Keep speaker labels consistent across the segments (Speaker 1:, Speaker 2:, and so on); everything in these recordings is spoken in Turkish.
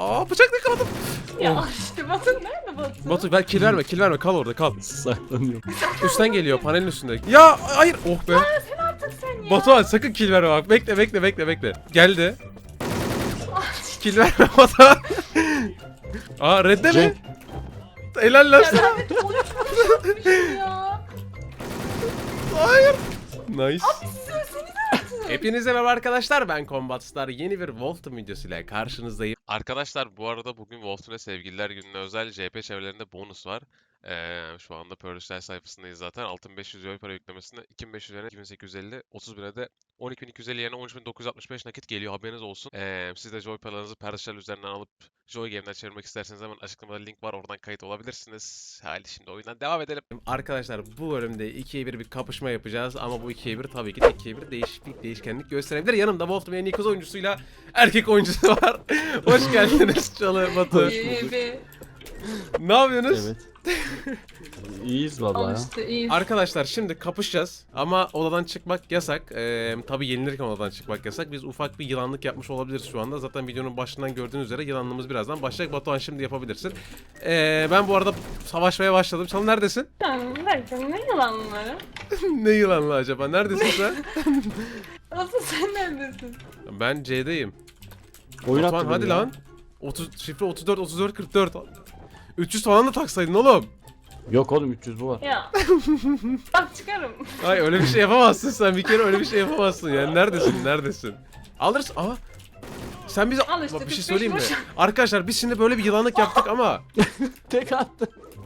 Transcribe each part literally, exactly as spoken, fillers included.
Speaker 1: aa bıçak yakaladım.
Speaker 2: Ya
Speaker 1: Oh.
Speaker 2: işte Batu nerede Batu?
Speaker 1: Batu ver kill verme kill verme kal orada kal.
Speaker 3: Saklanıyor.
Speaker 1: Üstten geliyor panelin üstünde. Ya hayır oh be.
Speaker 2: Sen artık sen ya.
Speaker 1: Batuhan sakın kill verme bak. Bekle bekle bekle bekle. Geldi. Kill verme Batuhan. Aa redde mi?
Speaker 3: Cenk.
Speaker 1: Helal lan
Speaker 2: Ya
Speaker 1: sana.
Speaker 2: ben de on üç vuruş yapmışım ya.
Speaker 1: Hayır. Nice.
Speaker 2: Sözünü artık.
Speaker 1: Hepinize merhaba arkadaşlar, ben Combatstar. Yeni bir Wolf Team videosuyla karşınızdayım.
Speaker 4: Arkadaşlar bu arada bugün Wolf'un Sevgililer Günü'ne özel C P çevrelerinde bonus var. Ee, şu anda Pearl'ler sayfasındayız zaten. altı bin beş yüz euro para yüklemesine iki bin beş yüz yerine iki bin sekiz yüz elli, otuz bine de on iki bin iki yüz elli yerine on üç bin dokuz yüz altmış beş nakit geliyor, haberiniz olsun. Ee, siz de Joy paralarınızı Pearl'ler üzerinden alıp Joy Game'den çevirmek isterseniz hemen açıklamada link var, oradan kayıt olabilirsiniz. Hadi şimdi oyundan devam edelim.
Speaker 1: Arkadaşlar bu bölümde ikiye bir bir kapışma yapacağız ama bu ikiye bir tabii ki de ikiye bir değişiklik, değişkenlik gösterebilir. Yanımda Wolf Team'in en iyi kız oyuncusuyla erkek oyuncusu var. Hoş geldiniz Çalı, Batu.
Speaker 2: İyi be.
Speaker 1: Ne yapıyorsunuz?
Speaker 3: Evet. İyiyiz valla
Speaker 2: Al
Speaker 3: ya.
Speaker 2: işte iyi.
Speaker 1: Arkadaşlar şimdi kapışacağız ama odadan çıkmak yasak. Ee, tabii yenilirken odadan çıkmak yasak. Biz ufak bir yılanlık yapmış olabiliriz şu anda. Zaten videonun başından gördüğünüz üzere yılanlığımız birazdan başlayacak. Batuhan şimdi yapabilirsin. Ee, ben bu arada savaşmaya başladım. Çalı neredesin?
Speaker 2: Sen derken ne yalanları?
Speaker 1: Ne yılanlı acaba? Neredesin sen?
Speaker 2: Asıl sen neredesin?
Speaker 1: Ben C'deyim.
Speaker 3: Oyun
Speaker 1: Batuhan
Speaker 3: attı
Speaker 1: hadi
Speaker 3: beni ya.
Speaker 1: lan. otuz, şifre otuz dört otuz dört kırk dört. üç yüz falan da taksaydın oğlum.
Speaker 3: Yok oğlum üç yüz bu var.
Speaker 2: Ya. Bak çıkarım.
Speaker 1: Ay öyle bir şey yapamazsın sen, bir kere öyle bir şey yapamazsın yani. Neredesin? Neredesin? Alırsın. Aha. Sen bize
Speaker 2: Al işte,
Speaker 1: Bak, bir şey
Speaker 2: kırk beş
Speaker 1: söyleyeyim mi?
Speaker 2: vuruş.
Speaker 1: Arkadaşlar biz şimdi böyle bir yılanlık yaptık ama
Speaker 3: Tek attı.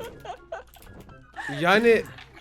Speaker 1: yani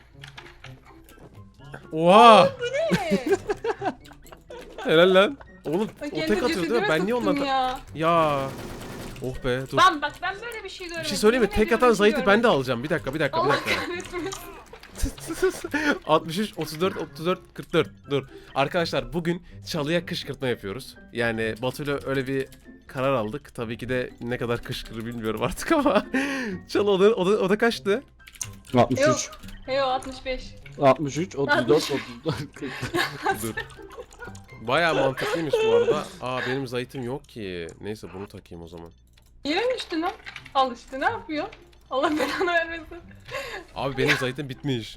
Speaker 1: Oha!
Speaker 2: Ne?
Speaker 1: Helal lan. Oğlum
Speaker 2: Bak,
Speaker 1: o
Speaker 2: kendi
Speaker 1: tek atıyor değil mi?
Speaker 2: cesedime
Speaker 1: Ben niye
Speaker 2: tuttum
Speaker 1: ondan
Speaker 2: ya?
Speaker 1: Ya. Oh be dur.
Speaker 2: Ben bak ben böyle bir şey görmedim.
Speaker 1: Bir şey söyleyeyim mi?
Speaker 2: Yemin
Speaker 1: Tek
Speaker 2: ediyorum
Speaker 1: atan
Speaker 2: bir şey
Speaker 1: Zahit'i ben de
Speaker 2: görmedim.
Speaker 1: alacağım. Bir dakika bir dakika bir
Speaker 2: Allah
Speaker 1: dakika.
Speaker 2: kahretmesin.
Speaker 1: altmış üç, otuz dört, otuz dört, kırk dört. Dur. Arkadaşlar bugün Çalı'ya kışkırtma yapıyoruz. Yani Batu'yla öyle bir karar aldık. Tabii ki de ne kadar kışkırır bilmiyorum artık ama. Çalı o da, o da, o da kaçtı?
Speaker 3: altmış
Speaker 2: Yok.
Speaker 3: üç.
Speaker 2: Heyo altmış beş.
Speaker 3: altmış üç, otuz dört, otuz dört, kırk.
Speaker 1: Dur. Bayağı mantıklıymış bu arada. Aa benim Zahit'im yok ki. Neyse bunu takayım o zaman.
Speaker 2: Yere mi düştün lan? Al işte ne yapıyor? Allah belanı vermesin.
Speaker 1: Abi benim Zahit'im bitmiş.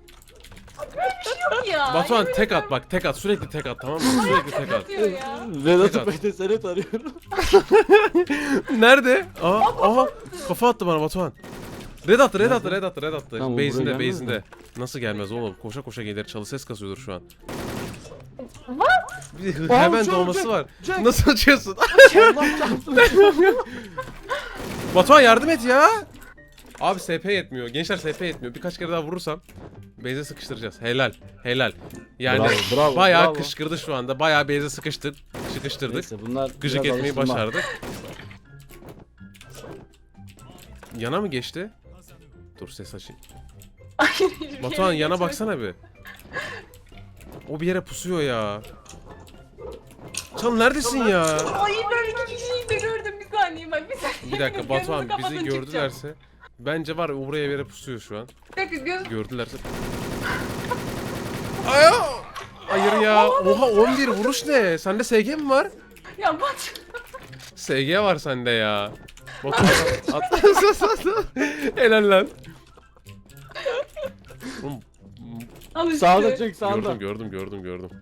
Speaker 2: Yok ya.
Speaker 1: Batuhan
Speaker 2: yemin
Speaker 1: tek
Speaker 2: ediyorum.
Speaker 1: at bak, tek at, sürekli tek at, tamam mı? Sürekli tek at.
Speaker 2: Atıyor ya.
Speaker 3: Vedat'ı P T S'ne tarıyorum.
Speaker 1: Nerede? Aha, aha. Kafa attı bana Batuhan. Red attı, red attı, red attı, red attı.
Speaker 3: Tamam, buraya
Speaker 1: Base'inde,
Speaker 3: gelmez
Speaker 1: base'inde.
Speaker 3: mi?
Speaker 1: Nasıl gelmez oğlum? Koşa koşa gelir. Çalı ses kasıyordur şu an.
Speaker 2: What?
Speaker 1: Bir hı-
Speaker 3: Aa,
Speaker 1: hemen
Speaker 3: Jack,
Speaker 1: doğması
Speaker 3: Jack,
Speaker 1: var.
Speaker 3: Jack.
Speaker 1: Nasıl açıyorsun?
Speaker 3: Allah çarpsın.
Speaker 1: Batuhan yardım et ya. Abi S P yetmiyor. Gençler S P yetmiyor. Birkaç kere daha vurursam base'e sıkıştıracağız. Helal. Helal. Yani
Speaker 3: Bravo, bravo,
Speaker 1: bayağı
Speaker 3: bravo.
Speaker 1: kışkırdı şu anda. Bayağı base'e sıkıştık. Sıkıştırdık.
Speaker 3: Neyse bunlar
Speaker 1: Gıcık
Speaker 3: biraz
Speaker 1: etmeyi
Speaker 3: alıştırma.
Speaker 1: başardık. Yana mı geçti? Dur ses açayım. Batuhan yana baksana bir. O bir yere pusuyor ya. Can neredesin ya?
Speaker 2: Ay ben iki kişiyi de gördüm bir saniye bak bir saniye.
Speaker 1: Bir dakika Batuhan
Speaker 2: Gözümü
Speaker 1: bizi
Speaker 2: kapatın,
Speaker 1: gördülerse bence var ya, o buraya bir yere pusuyor şu an.
Speaker 2: çıkacağım. Bir dakika göz.
Speaker 1: Gördülerse. Aya! Hayır ya. Oha on bir vuruş ne? Sende S G mi var?
Speaker 2: Ya Batu.
Speaker 1: S G var sende ya. Batuhan at. Helal lan. Oğlum,
Speaker 2: Al işte.
Speaker 3: Sağda çek sağda.
Speaker 1: gördüm gördüm gördüm gördüm.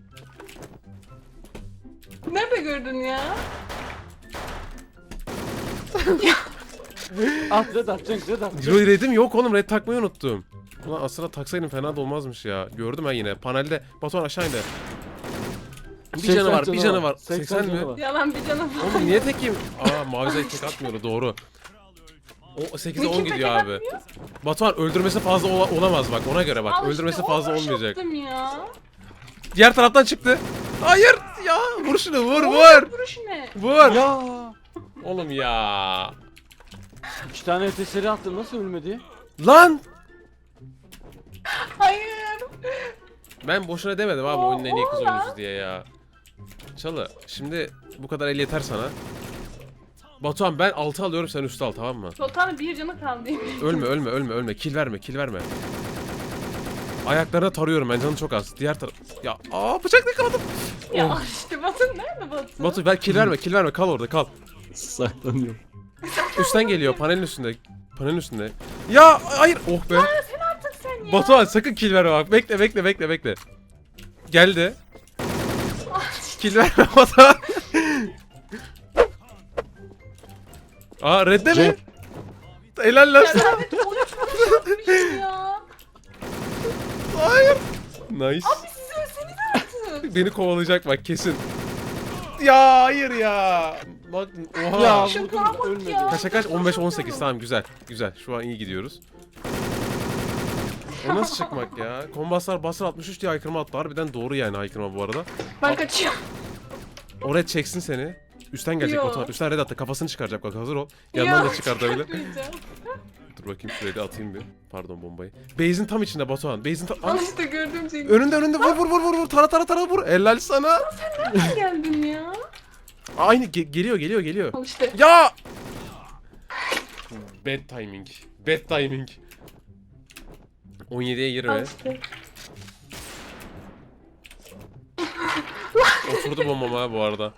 Speaker 2: Nerede gördün ya?
Speaker 3: At red at Cenk red at.
Speaker 1: Red- Red'im yok oğlum, red takmayı unuttum. Ulan aslında taksaydım fena da olmazmış ya. Gördüm ben yine. Panelde Batuhan aşağı indi. Bir
Speaker 3: seksen
Speaker 1: canı var, bir canı var.
Speaker 3: seksen
Speaker 1: seksen mi?
Speaker 3: canı var.
Speaker 2: Yalan bir canım.
Speaker 1: Oğlum niye tekeyim? Aa mavi zayıf tek atmıyordu, doğru. O sekize on
Speaker 2: Kimse
Speaker 1: gidiyor
Speaker 2: tek
Speaker 1: abi.
Speaker 2: atmıyor.
Speaker 1: Batuhan öldürmesi fazla ola- olamaz bak, ona göre bak.
Speaker 2: Al işte,
Speaker 1: Öldürmesi
Speaker 2: on
Speaker 1: fazla
Speaker 2: vuruş
Speaker 1: olmayacak.
Speaker 2: yaptım ya.
Speaker 1: Diğer taraftan çıktı. Hayır ya, vur şunu, vur
Speaker 2: On
Speaker 1: vur.
Speaker 2: vuruş ne?
Speaker 1: Vur.
Speaker 3: Ya.
Speaker 1: Oğlum ya.
Speaker 3: İki tane öteseri attım nasıl ölmedi?
Speaker 1: Lan.
Speaker 2: Hayır.
Speaker 1: Ben boşuna demedim abi oyunun en iyi kız
Speaker 2: Oha.
Speaker 1: oyuncusu diye ya. Çalı şimdi bu kadar el yeter sana. Batuhan ben altı alıyorum, sen üstü al, tamam mı?
Speaker 2: Sultanın bir canı kaldı.
Speaker 1: Ölme ölme ölme ölme, kill verme kill verme. Ayaklarına tarıyorum ben, canı çok az. Diğer taraf. Ya aa bıçak yakaladım.
Speaker 2: Ya
Speaker 1: Oh.
Speaker 2: işte Batu nerede Batu?
Speaker 1: Batu ver, kill verme kill verme, kal orada kal.
Speaker 3: Saklanıyorum.
Speaker 1: Üstten geliyor panelin üstünde. Panelin üstünde. Ya hayır. Oh be.
Speaker 2: Sen artık sen ya.
Speaker 1: Batuhan sakın kill verme bak. Bekle bekle bekle bekle. Geldi. Kill verme Batuhan. Aa redde mi?
Speaker 3: Cenk.
Speaker 1: Helal lan
Speaker 2: Ya
Speaker 1: sana.
Speaker 2: Servet on üç vuruş atmışım ya.
Speaker 1: Hayır. Nice.
Speaker 2: Abi siz ölseniz artık.
Speaker 1: Beni kovalayacak bak kesin. Ya hayır ya. Bak oha.
Speaker 3: Ya
Speaker 2: Şu
Speaker 3: vurdum,
Speaker 2: bana bak
Speaker 3: ölmedi.
Speaker 2: ya.
Speaker 1: Kaça kaç? on beş on sekiz tamam güzel. Güzel. Şu an iyi gidiyoruz. O nasıl çıkmak ya? Kombaslar basar altmış üç diye haykırma attı. Harbiden doğru yani haykırma bu arada.
Speaker 2: Ben kaçıyorum.
Speaker 1: Oraya çeksin seni. Üstten gelecek
Speaker 2: Yo.
Speaker 1: Batuhan. Üstten red attı. Kafasını çıkaracak bak hazır ol. Yandan
Speaker 2: Ya,
Speaker 1: da çıkartabilir.
Speaker 2: çıkartmayacağım.
Speaker 1: Dur bakayım şuraya da atayım bir. Pardon bombayı. Base'in tam içinde Batuhan. Base'in tam...
Speaker 2: Al
Speaker 1: Aa,
Speaker 2: işte gördüm seni.
Speaker 1: önünde önünde vur vur vur vur vur. Tara tara tara vur. Helal sana.
Speaker 2: Nereden geldin ya?
Speaker 1: Aynı ge- geliyor geliyor geliyor.
Speaker 2: Al işte.
Speaker 1: Ya! Bad timing. Bad timing. on yediye
Speaker 2: Al
Speaker 1: yirmi.
Speaker 2: işte.
Speaker 1: Oturdu bombam ha bu arada.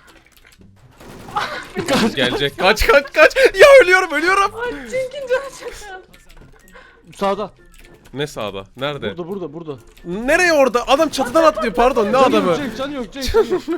Speaker 1: Gelecek. Kaç kaç kaç. Ya ölüyorum ölüyorum.
Speaker 2: Ay Cenk'in canı çok az.
Speaker 3: Sağda.
Speaker 1: Ne sağda? Nerede?
Speaker 3: Burada burada burada.
Speaker 1: Nereye orada? Adam çatıdan atlıyor pardon ne
Speaker 3: Canı
Speaker 1: adamı?
Speaker 3: yok Cenk, canı yok Cenk, canı yok.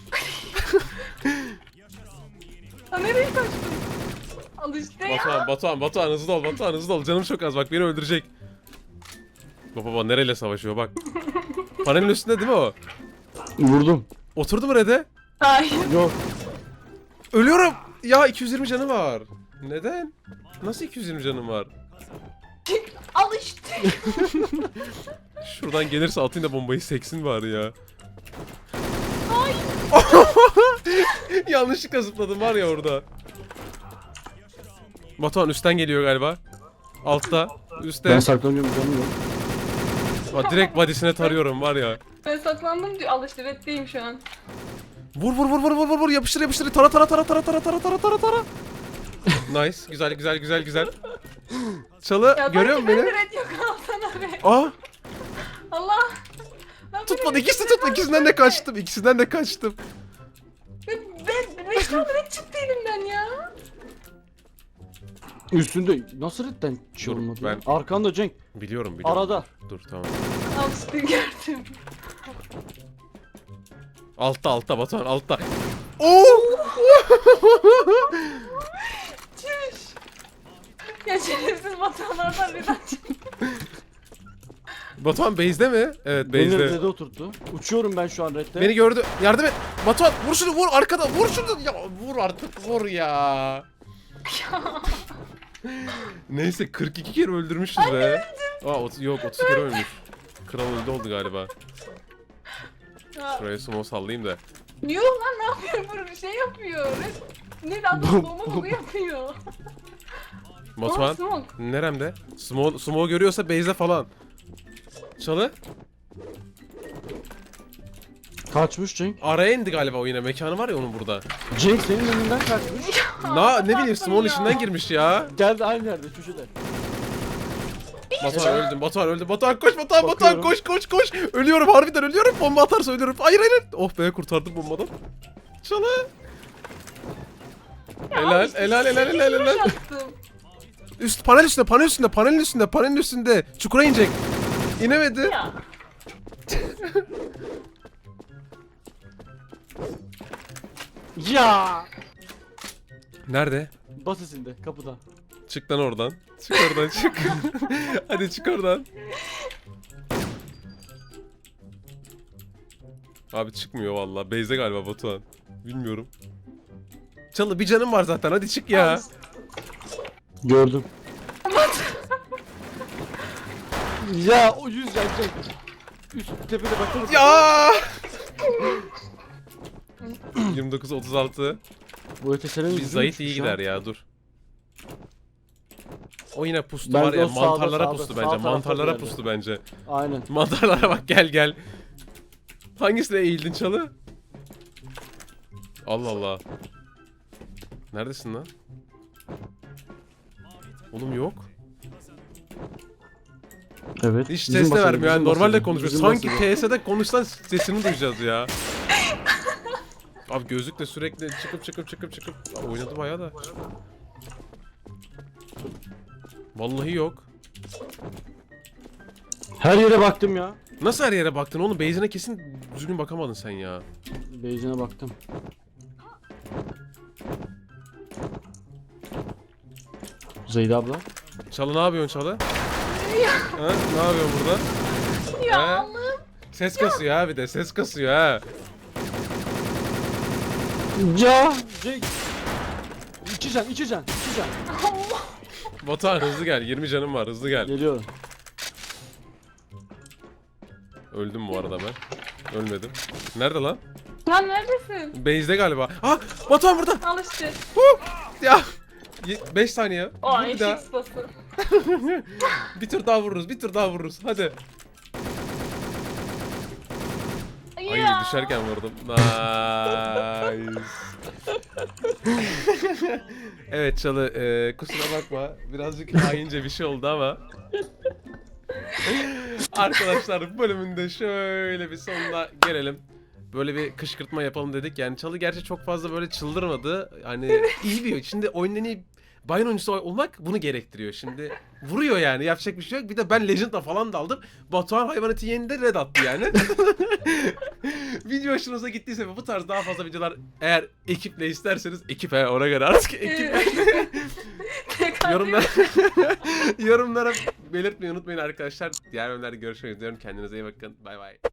Speaker 2: Ha nereye kaçtın? Al işte ya.
Speaker 1: Batuhan Batuhan Batuhan hızlı ol Batuhan hızlı ol. Canım çok az bak beni öldürecek. Baba baba nereyle savaşıyor bak. Panelin üstünde değil mi o?
Speaker 3: Vurdum.
Speaker 1: Oturdu mu Red'e?
Speaker 2: Hayır.
Speaker 3: Yok.
Speaker 1: Ölüyorum. Ya iki yüz yirmi canı var. Neden? Nasıl iki yüz yirmi canım var?
Speaker 2: Al işte.
Speaker 1: Şuradan gelirse atayım da bombayı seksin bari ya.
Speaker 2: Ay.
Speaker 1: Yanlışlıkla zıpladım var ya orada. Batuhan üstten geliyor galiba. Altta. Üstte.
Speaker 3: Ben saklanıyorum, canım yok.
Speaker 1: Bak, direkt body'sine tarıyorum var ya.
Speaker 2: Ben saklandım diyor. Al işte reddeyim şu an.
Speaker 1: Vur vur vur vur vur vur vur yapıştır yapıştır tara tara tara tara tara tara tara tara tara. Nice güzel güzel güzel güzel. Çalı
Speaker 2: Ya
Speaker 1: görüyor musun beni?
Speaker 2: beni? Red yok alsana be.
Speaker 1: Aa
Speaker 2: Allah. Ben
Speaker 1: tutmadı
Speaker 2: böyle
Speaker 1: ikisi
Speaker 2: bir
Speaker 1: tutmadı
Speaker 2: şey
Speaker 1: ikisinden de
Speaker 2: var.
Speaker 1: kaçtım ikisinden de kaçtım.
Speaker 2: Ben, ben, beş tane red çıktı elimden ya.
Speaker 3: Üstünde nasıl redden şey
Speaker 1: Dur,
Speaker 3: olmadı
Speaker 1: ben-
Speaker 3: ya? Arkanda Cenk.
Speaker 1: Biliyorum biliyorum.
Speaker 3: Arada.
Speaker 1: Dur tamam.
Speaker 2: Al işte gördüm.
Speaker 1: Altta altta Batuhan altta. Oo!
Speaker 2: Çüş. Ya şerefsiz vatanlardan red açtım.
Speaker 1: Batuhan base'de mi? Evet
Speaker 3: Beni
Speaker 1: base'de.
Speaker 3: redde oturttu. Uçuyorum ben şu an redde.
Speaker 1: Beni gördü. Yardım et. Batuhan vur şunu vur arkada vur şunu. Ya vur artık vur ya. Neyse kırk iki kere öldürmüşüz be. Aa ot- yok otuz kere ölmüş. Kral öldü oldu galiba.
Speaker 2: Ya,
Speaker 1: Şuraya sumo sallayayım da.
Speaker 2: Yok lan ne yapıyor bu şey yapıyor. Red, ne de adam bomba bu yapıyor.
Speaker 1: Batuhan
Speaker 2: Aa, smoke.
Speaker 1: neremde? Sumo, sumo görüyorsa base'de falan. Çalı.
Speaker 3: Kaçmış Cenk.
Speaker 1: Araya indi galiba o yine. Mekanı var ya onun burada.
Speaker 3: Cenk senin önünden kaçmış.
Speaker 1: Na ne bileyim Sumo'nun
Speaker 2: ya.
Speaker 1: içinden girmiş ya.
Speaker 3: Geldi aynı yerde köşede.
Speaker 1: Batuhan öldüm. Batuhan öldüm. Batuhan koş Batuhan Batuhan
Speaker 3: Bakıyorum.
Speaker 1: koş koş koş. Ölüyorum harbiden ölüyorum. Bomba atarsa ölüyorum. Hayır hayır. Oh be kurtardım bombadan. Çalı. Helal
Speaker 2: işte
Speaker 1: helal helal
Speaker 2: sekiz
Speaker 1: helal
Speaker 2: vuruş
Speaker 1: helal.
Speaker 2: attım.
Speaker 1: Üst panel üstünde panel üstünde panelin üstünde panelin üstünde. Çukura inecek. İnemedi.
Speaker 2: Ya.
Speaker 3: Ya.
Speaker 1: Nerede?
Speaker 3: Basesinde kapıda.
Speaker 1: Çık lan oradan. Çık oradan çık. Hadi çık oradan. Abi çıkmıyor vallahi. Base'de galiba Batuhan. Bilmiyorum. Çalı bir canım var zaten. Hadi çık ya.
Speaker 3: Gördüm. Ya o yüz can Cenk. Üst tepede bakın.
Speaker 1: Ya! yirmi dokuz otuz altı.
Speaker 3: Bu ötesinin
Speaker 1: Biz Zahit iyi gider ya dur. O yine pustu
Speaker 3: Bence
Speaker 1: var ya
Speaker 3: o sağda,
Speaker 1: mantarlara
Speaker 3: sağda,
Speaker 1: pustu
Speaker 3: sağ
Speaker 1: bence.
Speaker 3: tarafta
Speaker 1: Mantarlara
Speaker 3: bir yerde.
Speaker 1: pustu bence.
Speaker 3: Aynen.
Speaker 1: Mantarlara bak gel gel. Hangisine eğildin Çalı? Allah Allah. Neredesin lan? Oğlum yok.
Speaker 3: Evet.
Speaker 1: Hiç
Speaker 3: bizim
Speaker 1: ses de
Speaker 3: basede,
Speaker 1: vermiyor yani
Speaker 3: bizim
Speaker 1: normalde
Speaker 3: basede,
Speaker 1: konuşuyor.
Speaker 3: bizim
Speaker 1: Sanki
Speaker 3: basede.
Speaker 1: T S'de konuşsan sesini duyacağız ya. Abi gözlükle sürekli çıkıp çıkıp çıkıp çıkıp Aa, oynadı bayağı da. Vallahi yok.
Speaker 3: Her yere baktım ya.
Speaker 1: Nasıl her yere baktın oğlum? Base'ine kesin düzgün bakamadın sen ya.
Speaker 3: Beyzine baktım. Zeyda abla.
Speaker 1: Çalı ne yapıyorsun Çalı? Ha? Ne yapıyorsun burada?
Speaker 2: Ya
Speaker 1: Ha?
Speaker 2: Allah'ım.
Speaker 1: Ses kasıyor ha bir de ses kasıyor ha.
Speaker 3: Ya. Cenk. İki can, iki can, iki can.
Speaker 2: Allah.
Speaker 1: Batuhan hızlı gel, yirmi canım var, hızlı gel.
Speaker 3: Geliyorum.
Speaker 1: Öldüm bu arada ben. Ölmedim. Nerede lan?
Speaker 2: Lan neredesin?
Speaker 1: Base'de galiba. Ah! Batuhan burada.
Speaker 2: Al işte.
Speaker 1: Ya. beş saniye.
Speaker 2: O
Speaker 1: Vur bir daha.
Speaker 2: eşek sıpası.
Speaker 1: Bir tur daha vururuz, bir tur daha vururuz. Hadi. Ay
Speaker 2: Ya.
Speaker 1: düşerken vurdum. Nice. Evet Çalı, e, kusura bakma. Birazcık haince bir şey oldu ama. Arkadaşlar bu bölümünde şöyle bir sonuna gelelim. Böyle bir kışkırtma yapalım dedik. Yani Çalı gerçi çok fazla böyle çıldırmadı. Hani iyi bir. Şimdi oyunun en iyi Bayern oyuncusu olmak bunu gerektiriyor. Şimdi vuruyor yani, yapacak bir şey yok. Bir de ben Legend'la falan daldım. Batuhan hayvanatı yenide red attı yani. Video hoşunuza gittiyse ve bu tarz daha fazla videolar eğer ekiple isterseniz, ekip he ona göre artık ekip yorumlara yorumlara belirtmeyi unutmayın arkadaşlar. Diğer bölümlerde görüşmek üzere. Kendinize iyi bakın. Bay bay.